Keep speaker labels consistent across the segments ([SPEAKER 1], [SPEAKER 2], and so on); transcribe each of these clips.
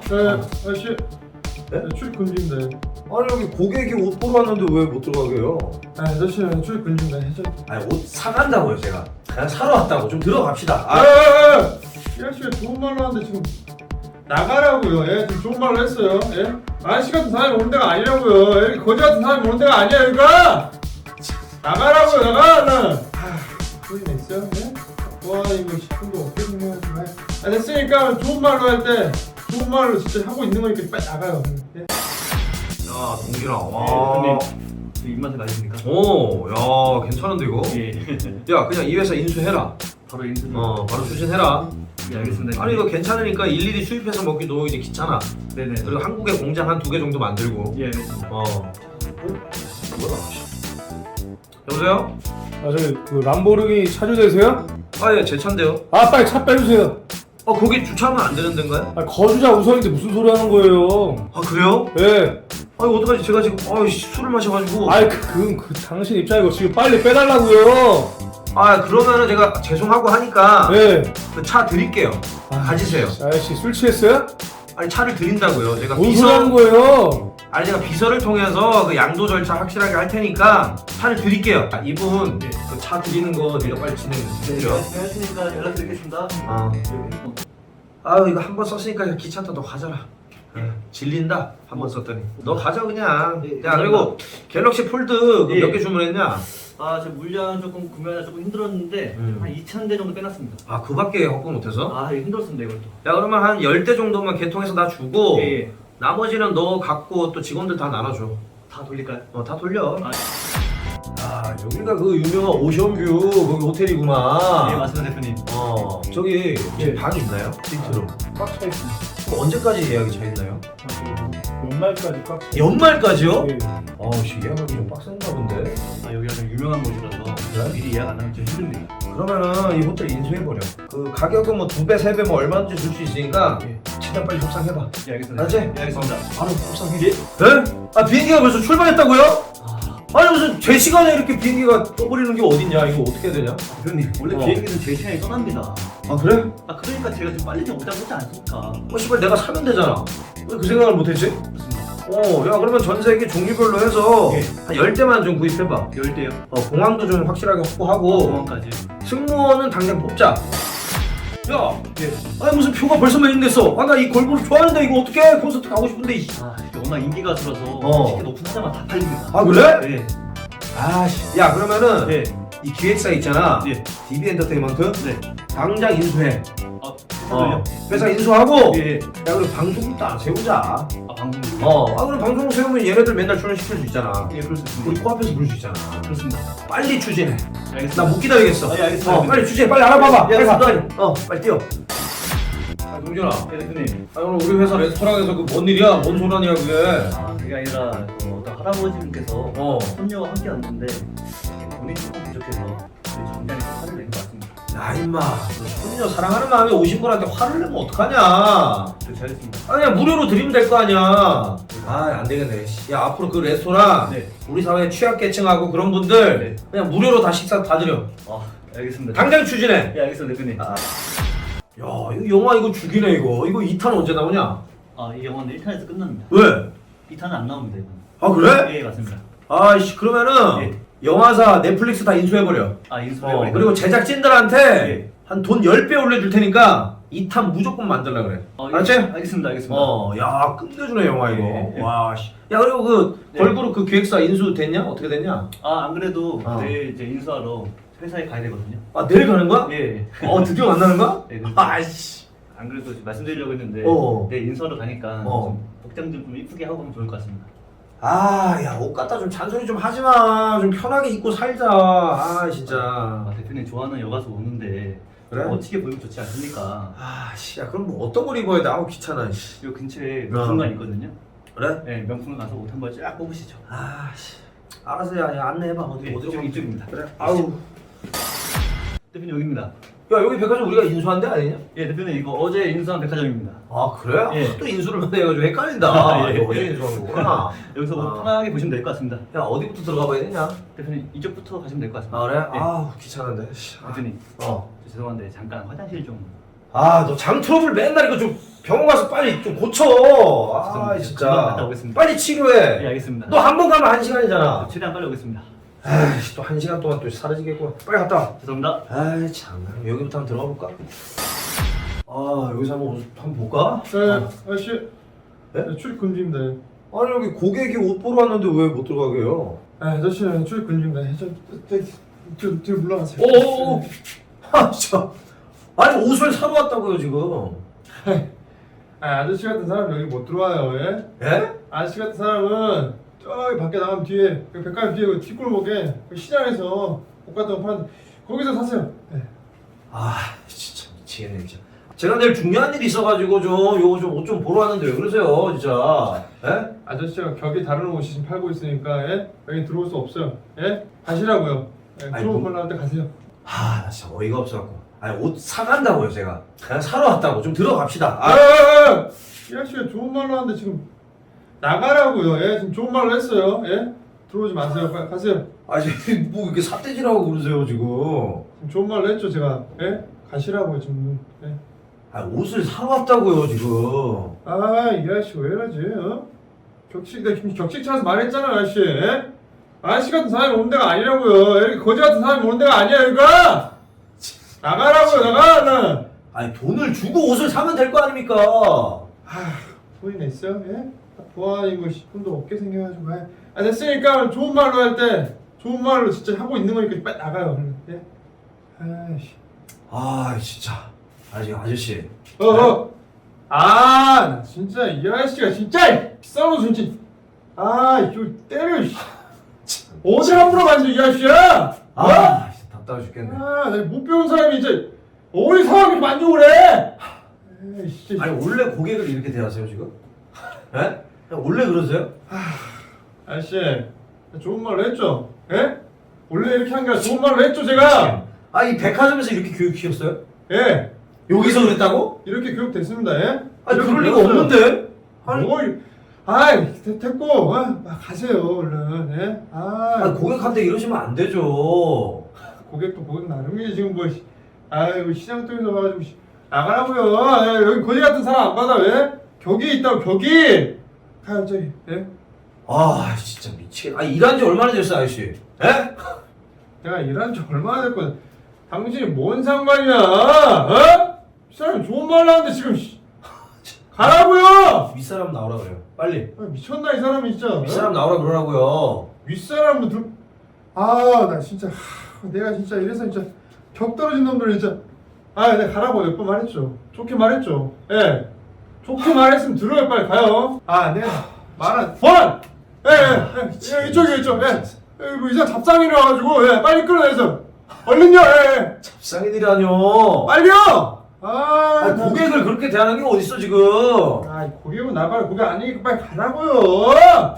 [SPEAKER 1] 아저씨.
[SPEAKER 2] 네?
[SPEAKER 1] 출입 금지인데.
[SPEAKER 2] 아니 여기 고객이 옷 보러 왔는데 왜 못 들어가게요?
[SPEAKER 1] 아저씨 출입 금지인데.
[SPEAKER 2] 아니 옷 사간다고요 제가. 그냥 사러 왔다고. 좀 들어갑시다.
[SPEAKER 1] 이 아저씨가 좋은 말로 하는데 지금 나가라고요. 예, 지금 좋은 말로 했어요. 예? 아저씨 같은 사람이 오는 데가 아니라고요. 여기 거지 같은 사람이 오는 데가 아니야 여기가. 나가라고요 나가. 소리 냈어요? 예? 와 이거 10분도 어떻게 생각하지? 됐으니까 좋은 말로 할 때 좋은 말로 진짜 하고 있는 거니까 빨리 나가요. 예?
[SPEAKER 2] 야 동진아.
[SPEAKER 3] 와. 입맛에 맞으십니까?
[SPEAKER 2] 오, 야 괜찮은데 이거?
[SPEAKER 3] 예.
[SPEAKER 2] 야 그냥 이 회사 인수해라.
[SPEAKER 3] 바로 인수.
[SPEAKER 2] 바로 추진해라.
[SPEAKER 3] 예, 알겠습니다.
[SPEAKER 2] 아니 이거 괜찮으니까 일일이 수입해서 먹기도 이제 귀찮아.
[SPEAKER 3] 네네.
[SPEAKER 2] 그리고 한국에 공장 한 2개 정도 만들고.
[SPEAKER 3] 예, 알겠습니다.
[SPEAKER 2] 뭐야? 여보세요?
[SPEAKER 4] 저기 그 람보르기니 차주되세요?
[SPEAKER 2] 아 예 제 차인데요.
[SPEAKER 4] 빨리 차 빼주세요.
[SPEAKER 2] 거기 주차하면 안 되는 데인가요?
[SPEAKER 4] 거주자 우선인데 무슨 소리 하는 거예요?
[SPEAKER 2] 아 그래요?
[SPEAKER 4] 예.
[SPEAKER 2] 아니 어떡하지 제가 지금 술을 마셔가지고.
[SPEAKER 4] 그 당신 입장이고 지금 빨리 빼달라고요.
[SPEAKER 2] 그러면은 제가 죄송하고 하니까
[SPEAKER 4] 예.
[SPEAKER 2] 그 차 드릴게요. 가지세요.
[SPEAKER 4] 아저씨 술 취했어요?
[SPEAKER 2] 아니 차를 드린다고요. 제가
[SPEAKER 4] 뭔 소리 하는 거예요?
[SPEAKER 2] 아니 제가 비서를 통해서 그 양도 절차 확실하게 할 테니까 차를 드릴게요. 이분
[SPEAKER 3] 네.
[SPEAKER 2] 그 차 드리는 거 네가 빨리 진행해주세요.
[SPEAKER 3] 안녕하십니까. 연락드리겠습니다.
[SPEAKER 2] 이거 한 번 썼으니까 그냥 귀찮다. 너 가져라. 질린다. 한 번 썼더니 너 가져 그냥.
[SPEAKER 3] 네,
[SPEAKER 2] 야 그리고 갤럭시 폴드
[SPEAKER 3] 예.
[SPEAKER 2] 몇 개 주문했냐?
[SPEAKER 3] 제 물량 조금 구매하다 조금 힘들었는데 한 2,000대 정도 빼놨습니다.
[SPEAKER 2] 그밖에 확보 못해서?
[SPEAKER 3] 이거 힘들었습니다 이걸 또.
[SPEAKER 2] 야 그러면 한 10대 정도만 개통해서 나 주고
[SPEAKER 3] 예.
[SPEAKER 2] 나머지는 너 갖고 또 직원들 다 나눠줘.
[SPEAKER 3] 다 돌릴까요?
[SPEAKER 2] 다 돌려.
[SPEAKER 4] 여기가 그 유명한 오션뷰 거기 호텔이구만.
[SPEAKER 3] 예, 맞습니다 대표님.
[SPEAKER 2] 저기
[SPEAKER 4] 예.
[SPEAKER 2] 방 있나요? 빈트룸.
[SPEAKER 4] 꽉 차 있습니다.
[SPEAKER 2] 그럼 언제까지 예약이 차 있나요?
[SPEAKER 4] 연말까지 꽉 차.
[SPEAKER 2] 연말까지요?
[SPEAKER 4] 예.
[SPEAKER 2] 예약하기 좀 빡센가 본데.
[SPEAKER 3] 여기가 좀 유명한 곳이라서
[SPEAKER 2] 그래?
[SPEAKER 3] 미리 예약 안 하면 좀 힘듭니다.
[SPEAKER 2] 그러면은 이 호텔 인수해버려. 그 가격은 뭐 2배, 3배 뭐 얼마든지 줄 수 있으니까
[SPEAKER 3] 예.
[SPEAKER 2] 최대한 빨리 협상해봐.
[SPEAKER 3] 예, 알겠습니다.
[SPEAKER 2] 알았지?
[SPEAKER 3] 예, 알겠습니다.
[SPEAKER 2] 바로 협상해. 예? 비행기가 벌써 출발했다고요? 아니 무슨 제 시간에 이렇게 비행기가 떠버리는 게 어딨냐? 이거 어떻게 해야 되냐?
[SPEAKER 3] 대표님 원래 비행기는 제 시간에 떠납니다.
[SPEAKER 2] 그래?
[SPEAKER 3] 그러니까 제가 좀 빨리 좀 오자고 하지 않습니까?
[SPEAKER 2] 씨발 내가 사면 되잖아. 왜 그 생각을 못했지?
[SPEAKER 3] 그렇습니다.
[SPEAKER 2] 야 그러면 전 세계 종류별로 해서
[SPEAKER 3] 예.
[SPEAKER 2] 한 10대만 좀 구입해봐.
[SPEAKER 3] 10대요.
[SPEAKER 2] 공항도 좀 확실하게 확보하고
[SPEAKER 3] 공항까지.
[SPEAKER 2] 승무원은 당장 뽑자. 야,
[SPEAKER 3] 예.
[SPEAKER 2] 아니 무슨 표가 벌써 매진됐어. 나 이 걸그룹 좋아하는데 이거 어떻게 콘서트 가고 싶은데.
[SPEAKER 3] 이게 워낙 인기가 들어서 티켓 오픈하자마자 다 팔립니다.
[SPEAKER 2] 그래?
[SPEAKER 3] 네.
[SPEAKER 2] 야 그러면은
[SPEAKER 3] 네.
[SPEAKER 2] 이 기획사 있잖아.
[SPEAKER 3] 예.
[SPEAKER 2] DB 엔터테인먼트.
[SPEAKER 3] 네.
[SPEAKER 2] 당장 인수해.
[SPEAKER 3] 회사를요?
[SPEAKER 2] 회사 인수하고.
[SPEAKER 3] 예.
[SPEAKER 2] 야 그리고 방송국도 안 세우자.
[SPEAKER 3] 방송.
[SPEAKER 2] 그럼 방송국 세우면 얘네들 맨날 출연시킬 수 있잖아.
[SPEAKER 3] 예, 그럴 수 있습니다.
[SPEAKER 2] 우리 코앞에서 부를 수 있잖아.
[SPEAKER 3] 그렇습니다.
[SPEAKER 2] 빨리 추진해.
[SPEAKER 3] 알겠습니다.
[SPEAKER 2] 나 못 기다리겠어.
[SPEAKER 3] 예, 알겠습니다.
[SPEAKER 2] 빨리 추진해. 빨리 알아봐봐.
[SPEAKER 3] 예,
[SPEAKER 2] 빨리 가.
[SPEAKER 3] 알겠습니다.
[SPEAKER 2] 빨리. 빨리 뛰어. 동준아.
[SPEAKER 3] 예, 대표님.
[SPEAKER 2] 오늘 우리 회사 레스토랑에서 그 뭔 일이야? 뭔 소란이야 그게?
[SPEAKER 3] 그게 아니라 어떤 할아버지분께서
[SPEAKER 2] 어.
[SPEAKER 3] 손녀와 함께 왔는데 돈이 조금 부족해서 정장에 화를 낸 것 같습니다.
[SPEAKER 2] 야 임마, 너 손녀 사랑하는 마음에 오신 분한테 화를 내면 어떡하냐?
[SPEAKER 3] 잘했습니다.
[SPEAKER 2] 그냥 무료로 드리면 될 거 아니야. 안 되겠네. 야 앞으로 그 레스토랑
[SPEAKER 3] 네.
[SPEAKER 2] 우리 사회 취약계층하고 그런 분들
[SPEAKER 3] 네.
[SPEAKER 2] 그냥 무료로 다 식사 다 드려.
[SPEAKER 3] 알겠습니다.
[SPEAKER 2] 당장 추진해.
[SPEAKER 3] 예, 알겠습니다, 대표님.
[SPEAKER 2] 야 이거 영화 이거 죽이네 이거. 이거 2탄 언제 나오냐?
[SPEAKER 3] 이 영화는 1탄에서 끝납니다.
[SPEAKER 2] 왜?
[SPEAKER 3] 2탄은 안 나옵니다, 이거는.
[SPEAKER 2] 그래?
[SPEAKER 3] 예, 맞습니다.
[SPEAKER 2] 그러면은
[SPEAKER 3] 예.
[SPEAKER 2] 영화사 넷플릭스 다 인수해버려.
[SPEAKER 3] 인수해
[SPEAKER 2] 그리고 제작진들한테
[SPEAKER 3] 예.
[SPEAKER 2] 한 돈 10배 올려줄 테니까 2탄 무조건 만들라 그래. 알았지?
[SPEAKER 3] 알겠습니다, 알겠습니다.
[SPEAKER 2] 야 끝내주네 영화 이거.
[SPEAKER 3] 예.
[SPEAKER 2] 와 씨. 야 그리고 그
[SPEAKER 3] 네.
[SPEAKER 2] 걸그룹 그 기획사 인수 됐냐? 어떻게 됐냐?
[SPEAKER 3] 안 그래도
[SPEAKER 2] 네.
[SPEAKER 3] 내일 이제 인수하러 회사에 가야 되거든요.
[SPEAKER 2] 내일 가는 거야?
[SPEAKER 3] 예.
[SPEAKER 2] 드디어 만나는 거야?
[SPEAKER 3] 네, 그래서
[SPEAKER 2] 아이씨.
[SPEAKER 3] 안 그래도 말씀드리려고 했는데 내일 인수하러 가니까 좀 복장 좀 이쁘게 하고 가면 좋을 것 같습니다.
[SPEAKER 2] 야 옷 갖다 좀 잔소리 좀 하지 마. 좀 편하게 입고 살자. 진짜.
[SPEAKER 3] 대표님 좋아하는 여가수 오는데
[SPEAKER 2] 그래?
[SPEAKER 3] 멋지게 보이면 좋지 않습니까?
[SPEAKER 2] 야 그럼 뭐 어떤 걸 입어야 돼? 귀찮아. 씨.
[SPEAKER 3] 요 근처에 명품관 있거든요.
[SPEAKER 2] 그래?
[SPEAKER 3] 네, 명품관 가서 옷 한번 쫙 뽑으시죠.
[SPEAKER 2] 알았어 야 안내해봐. 어디로 가면
[SPEAKER 3] 이쪽입니다.
[SPEAKER 2] 그래.
[SPEAKER 3] 대표님 여기입니다.
[SPEAKER 2] 야 여기 백화점 우리가 인수한 데 아니냐?
[SPEAKER 3] 예, 대표님 이거 어제 인수한 백화점입니다.
[SPEAKER 2] 그래?
[SPEAKER 3] 예.
[SPEAKER 2] 또 인수를 해가지고 헷갈린다.
[SPEAKER 3] 예.
[SPEAKER 2] 이거 어제 인수한 거구나.
[SPEAKER 3] 여기서 뭐 편하게 보시면 될 것 같습니다.
[SPEAKER 2] 야 어디부터 들어가 봐야 되냐?
[SPEAKER 3] 대표님 이쪽부터 가시면 될 것 같습니다.
[SPEAKER 2] 그래?
[SPEAKER 3] 예.
[SPEAKER 2] 귀찮은데.
[SPEAKER 3] 대표님
[SPEAKER 2] 어.
[SPEAKER 3] 죄송한데 잠깐 화장실 좀.
[SPEAKER 2] 아, 너 장 트러블 맨날 이거 좀 병원 가서 빨리 좀 고쳐. 아,
[SPEAKER 3] 금방 갔다
[SPEAKER 2] 진짜.
[SPEAKER 3] 오겠습니다.
[SPEAKER 2] 빨리 치료해.
[SPEAKER 3] 네, 알겠습니다.
[SPEAKER 2] 너 한 번 가면 1시간이잖아.
[SPEAKER 3] 최대한 빨리 오겠습니다.
[SPEAKER 2] 아이씨, 또 1시간 동안 또 사라지겠구나. 빨리 갔다 와.
[SPEAKER 3] 죄송합니다.
[SPEAKER 2] 아이, 참. 여기부터 한번 들어가 볼까? 아, 여기서 한번 볼까?
[SPEAKER 1] 네, 아저씨.
[SPEAKER 2] 네?
[SPEAKER 1] 네, 출입 금지입니다.
[SPEAKER 2] 아니, 여기 고객이 옷 보러 왔는데 왜 못 들어가게요?
[SPEAKER 1] 아, 아저씨 출입 금지입니다. 뒤로 물러가세요.
[SPEAKER 2] 오! 아, 진짜. 아니, 옷을 사러 왔다고요, 지금.
[SPEAKER 1] 아, 아저씨 같은 사람 여기 못 들어와요. 예?
[SPEAKER 2] 예?
[SPEAKER 1] 아저씨 같은 사람은 저기 밖에 나가면 뒤에 그 백화점 뒤에 그 뒷골목에 그 시장에서 옷 같은 거 파는데 거기서 사세요. 네.
[SPEAKER 2] 아, 진짜 미치겠네, 진짜. 제가 내일 중요한 일이 있어가지고 요거 좀 옷 좀 보러 왔는데 왜 그러세요, 진짜. 예?
[SPEAKER 1] 아저씨가 격이 다른 옷이 지금 팔고 있으니까 예? 여기 들어올 수 없어요. 예? 가시라고요. 예,
[SPEAKER 2] 아니,
[SPEAKER 1] 좋은
[SPEAKER 2] 뭐-
[SPEAKER 1] 걸 나올 때 가세요.
[SPEAKER 2] 아, 나 진짜 어이가 없어갖고. 아니, 옷 사간다고요, 제가. 그냥 사러 왔다고. 좀 들어갑시다. 아,
[SPEAKER 1] 이 아저씨가 좋은 말로 하는데 지금 나가라고요. 예? 지금 좋은 말로 했어요. 예? 들어오지 마세요. 빨리 가세요.
[SPEAKER 2] 아니, 뭐 이렇게 삿대질하고 그러세요, 지금.
[SPEAKER 1] 지금 좋은 말로 했죠, 제가. 예? 가시라고요, 지금. 예?
[SPEAKER 2] 아, 옷을 사러 왔다고요, 지금.
[SPEAKER 1] 아, 이 아저씨 왜 이러지? 어? 내가 격식 차려서 말했잖아, 아저씨. 예? 아저씨 같은 사람이 오는 데가 아니라고요. 여기 거지 같은 사람이 오는 데가 아니야, 여기가! 나가라고요, 나가!
[SPEAKER 2] 아니, 돈을 주고 옷을 사면 될 거 아닙니까?
[SPEAKER 1] 돈이 냈어요? 예? 보안이고 돈도 없게 생겨가지고. 아, 됐으니까 좋은 말로 할 때 좋은 말로 진짜 하고 있는 거니까 빨리 나가요, 얼른. 예? 아이씨.
[SPEAKER 2] 아, 진짜. 아저씨.
[SPEAKER 1] 나 진짜 이 아저씨가 진짜 비싼 옷 진짜. 이거 때려. 씨. 어디 함부로 만져 이 아저씨야?
[SPEAKER 2] 아, 진짜 답답해 죽겠네.
[SPEAKER 1] 내가 못 배운 사람이 이제 어디 사람이 만족을 해? 에이씨.
[SPEAKER 2] 아니, 원래 고객을 이렇게 대하세요, 지금? 예? 그냥 원래 그러세요?
[SPEAKER 1] 아저씨, 좋은 말로 했죠? 예? 원래 이렇게 한 게 아니라 좋은 말로 했죠, 제가?
[SPEAKER 2] 아, 이 백화점에서 이렇게 교육시켰어요?
[SPEAKER 1] 예.
[SPEAKER 2] 여기서 그랬다고?
[SPEAKER 1] 이렇게 교육됐습니다, 예?
[SPEAKER 2] 아니,
[SPEAKER 1] 이렇게
[SPEAKER 2] 그럴 리가
[SPEAKER 1] 배웠어요.
[SPEAKER 2] 없는데? 아니,
[SPEAKER 1] 됐고, 가세요, 얼른, 예?
[SPEAKER 2] 아니, 고객한테 이러시면 안 되죠.
[SPEAKER 1] 고객도 고객 나름이지, 지금 뭐, 아이고, 시장 통해서 와가지고, 나가라고요. 예, 여기 거지 같은 사람 안 받아, 왜? 격이 있다고, 격이! 가요, 저기, 예?
[SPEAKER 2] 아, 진짜 미치겠네. 아, 일한 지 얼마나 됐어, 아저씨? 예?
[SPEAKER 1] 내가 일한 지 얼마나 됐거든. 당신이 뭔 상관이야, 어? 이 사람 좋은 말로 하는데 지금, 가라고요!
[SPEAKER 2] 윗사람 나오라 그래요. 빨리.
[SPEAKER 1] 미쳤나, 이 사람이 진짜. 어?
[SPEAKER 2] 윗사람 나오라 그러라고요.
[SPEAKER 1] 윗사람도 나 진짜, 내가 진짜 이래서 진짜 격 떨어진 놈들 진짜. 내가 가라고 몇 번 말했죠. 좋게 말했죠. 예. 좋게 말했으면 들어요, 빨리 가요. 내가 말한, 번! 예, 이쪽. 뭐 이상 잡상이라 가지고, 예, 빨리 끌어내서. 얼른요, 예.
[SPEAKER 2] 잡상인이라뇨.
[SPEAKER 1] 빨리요!
[SPEAKER 2] 아니, 고객을 그렇게 대하는 게 어딨어, 지금.
[SPEAKER 1] 고객은 나가라. 고객 아니니까 빨리 가라고요.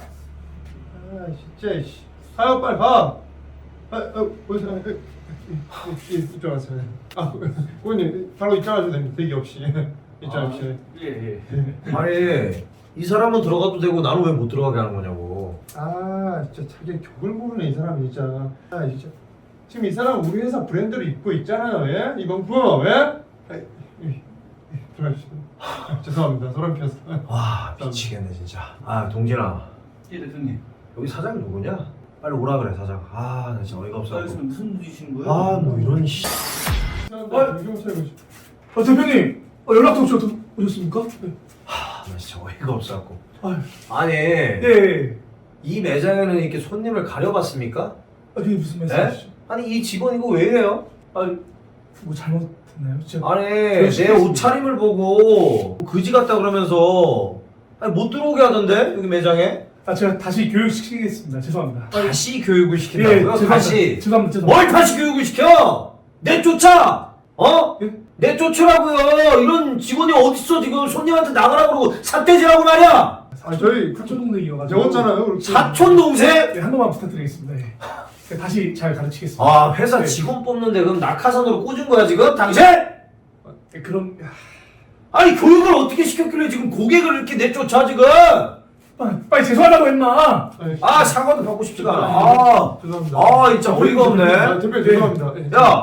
[SPEAKER 1] 진짜, 씨. 가요, 빨리 가. 어디서, 이쪽 와세요. 고객님, 바로 입장하셔도 됩니다. 대기 없이. 입장 없이.
[SPEAKER 3] 예.
[SPEAKER 2] 아니, 이 사람은 들어가도 되고 나는 왜 못 들어가게 하는 거냐고.
[SPEAKER 1] 진짜 자기 격을 모르네, 이 사람이 진짜. 진짜. 지금 이 사람 우리 회사 브랜드를 입고 있잖아요, 예? 이번 부, 예? 들어가주세요. 죄송합니다. 소름 피웠어.
[SPEAKER 2] 와, 미치겠네, 진짜. 동진아.
[SPEAKER 3] 예, 대표님.
[SPEAKER 2] 여기 사장 누구냐? 빨리 오라 그래, 사장. 나 진짜 어이가 없어.
[SPEAKER 3] 무슨 일이신 거예요?
[SPEAKER 2] 뭐 이런 씨.
[SPEAKER 1] 경찰이고.
[SPEAKER 4] 대표님 연락도 오셨습니까? 네.
[SPEAKER 2] 나 진짜 어이가 없어갖고.
[SPEAKER 4] 아유.
[SPEAKER 2] 예. 이 매장에는 이렇게 손님을 가려봤습니까?
[SPEAKER 4] 그게 무슨 말씀이시죠?
[SPEAKER 2] 아니, 이 직원 이거 왜 이래요?
[SPEAKER 4] 뭐 잘못했나요?
[SPEAKER 2] 아니, 내 옷차림을 보고 그지 같다 그러면서 못 들어오게 하던데, 여기 매장에?
[SPEAKER 4] 제가 다시 교육시키겠습니다. 죄송합니다.
[SPEAKER 2] 다시 교육을 시킨다고요?
[SPEAKER 4] 죄송합니다.
[SPEAKER 2] 뭘 다시 교육을 시켜? 내쫓아!
[SPEAKER 4] 예?
[SPEAKER 2] 내쫓으라고요. 이런 직원이 어딨어, 지금. 손님한테 나가라 그러고 삿대질하고 말이야.
[SPEAKER 1] 저희
[SPEAKER 4] 사촌 동생이어가지고
[SPEAKER 1] 배웠잖아요. 그렇게.
[SPEAKER 2] 사촌 동생?
[SPEAKER 4] 한 번만 부탁드리겠습니다. 예. 제가 다시 잘 가르치겠습니다.
[SPEAKER 2] 회사
[SPEAKER 4] 네.
[SPEAKER 2] 직원 뽑는데 그럼 낙하산으로 꽂은 거야, 지금? 당신?
[SPEAKER 4] 그럼
[SPEAKER 2] 아니, 교육을 어떻게 시켰길래 지금 고객을 이렇게 내쫓아, 지금?
[SPEAKER 4] 빨리 죄송하다고 했나?
[SPEAKER 2] 사과도 받고 싶지가 않아.
[SPEAKER 1] 죄송합니다.
[SPEAKER 2] 진짜 어이가 없네.
[SPEAKER 1] 대표님 죄송합니다.
[SPEAKER 2] 야,
[SPEAKER 3] 대표님.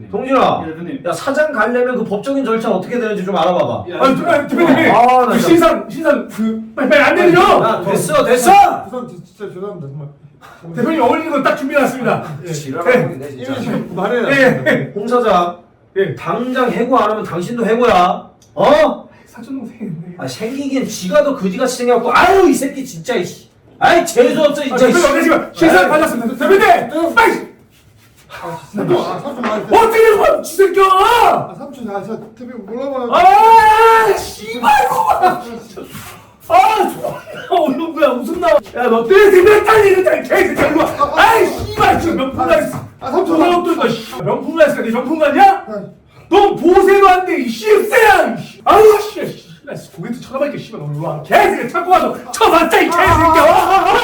[SPEAKER 2] 동진아,
[SPEAKER 3] 예, 대표님.
[SPEAKER 2] 야 사장 가려면 그 법적인 절차 어떻게 되는지 좀 알아봐봐.
[SPEAKER 4] 대표님,
[SPEAKER 2] 아, 나
[SPEAKER 4] 그
[SPEAKER 2] 진짜-
[SPEAKER 4] 신상 빨리 안 되죠?
[SPEAKER 2] 야, 됐어.
[SPEAKER 1] 진짜 죄송합니다 정말.
[SPEAKER 4] 대표님 어울리는 거 딱 준비해놨습니다.
[SPEAKER 2] 지랄하고 있네
[SPEAKER 1] 이미
[SPEAKER 2] 진짜.
[SPEAKER 1] 지금 말해요.
[SPEAKER 4] 예.
[SPEAKER 2] 홍 사장,
[SPEAKER 4] 예.
[SPEAKER 2] 당장 해고 안 하면 당신도 해고야. 어?
[SPEAKER 4] 사촌 동생인데.
[SPEAKER 2] 아 생기긴 지가 더 그지같이 생겨갖고 아유 이 새끼 진짜 이씨. 아이 재수 없어 진짜.
[SPEAKER 4] 대표님 어제 지금 신상
[SPEAKER 2] 아이,
[SPEAKER 4] 받았습니다. 대표님, 빨리.
[SPEAKER 1] 삼촌 말.
[SPEAKER 4] 어떻게 된 거야, 지새끼야!
[SPEAKER 1] 삼촌 저 TV 몰라봐요.
[SPEAKER 4] 아, 씨발 이거. 아, 존나 어려운 거야. 웃음 나와. 야, 너 때문에 생겼다니 이랬잖아. 개새끼야 이리 와. 아이, 씨발 지금 명품 가있어.
[SPEAKER 1] 삼촌.
[SPEAKER 4] 명품 가있어. 네 명품 가냐? 너 보세도 안 돼, 이 씨새야! 아유, 씨, 나 고개도 쳐다볼게, 씨발, 너 일로 와. 개새끼, 찾고 와서 쳐봤자, 이 개새끼야!